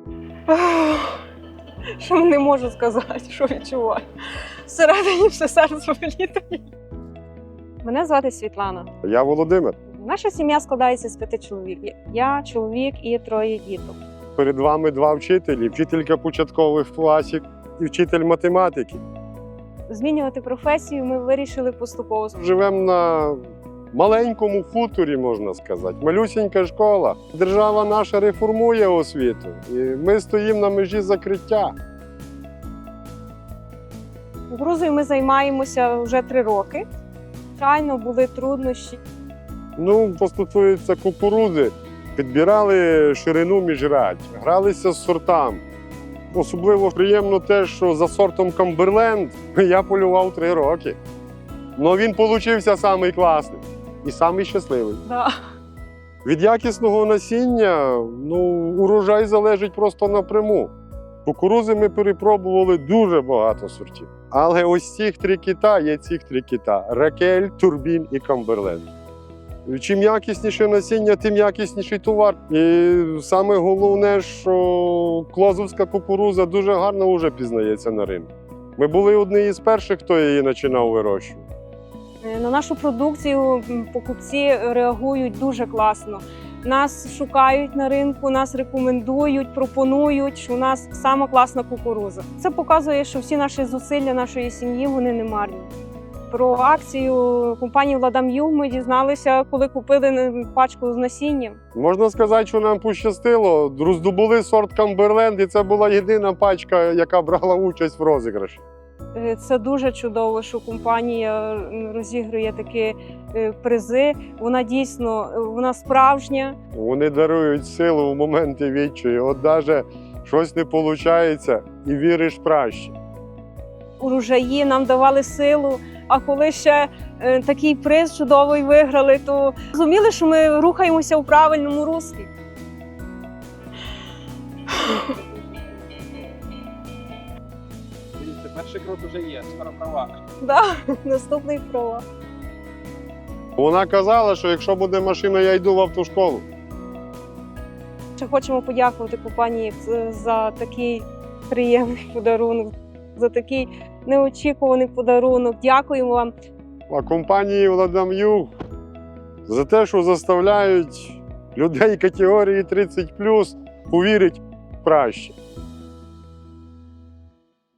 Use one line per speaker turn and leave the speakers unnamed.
Що не можу сказати, що відчуваю. Всередині все серце вилітає. Мене звати Світлана.
Я Володимир.
Наша сім'я складається з 5 чоловік. Я чоловік і 3 діток.
Перед вами 2 вчителі, вчителька початкових класів і вчитель математики.
Змінювати професію ми вирішили поступово.
Живемо на маленькому хуторі, можна сказати. Малюсінька школа. Держава наша реформує освіту. І ми стоїмо на межі закриття.
Кукурудзою ми займаємося вже 3 роки. Звичайно, були труднощі.
Що стосується кукурудзи, підбирали ширину міжрядь, гралися з сортами. Особливо приємно те, що за сортом Камберленд я полював 3 роки. Но він получився самий класний і самий щасливий.
Да.
Від якісного насіння урожай залежить просто напряму. Кукурудзи ми перепробували дуже багато сортів. Але ось цих 3 кита є цих 3 кита – Ракель, Турбін і Камберленд. Чим якісніше насіння, тим якісніший товар. І саме головне, що клозовська кукурудза дуже гарно вже пізнається на ринку. Ми були одні із перших, хто її починав вирощувати.
На нашу продукцію покупці реагують дуже класно. Нас шукають на ринку, нас рекомендують, пропонують, що у нас сама класна кукурудза. Це показує, що всі наші зусилля нашої сім'ї вони не марні. Про акцію компанії «Владам'ю» ми дізналися, коли купили пачку з насінням.
Можна сказати, що нам пощастило. Роздобули сорт Камберленд, і це була єдина пачка, яка брала участь в розіграші.
Це дуже чудово, що компанія розігрує такі призи. Вона дійсно, вона справжня.
Вони дарують силу в моменти відчаю. От навіть щось не виходить і віриш краще.
Урожаї нам давали силу, а коли ще такий приз чудовий виграли, то розуміли, що ми рухаємося у правильному руслі.
Дивіться, перший крок вже є, скоро права.
Да, наступний права.
Вона казала, що якщо буде машина, я йду в автошколу.
Ще хочемо подякувати компанії за такий приємний подарунок, за такий неочікуваний подарунок. Дякуємо вам.
А компанії «Владам'ю» за те, що заставляють людей категорії 30+, повірити в краще.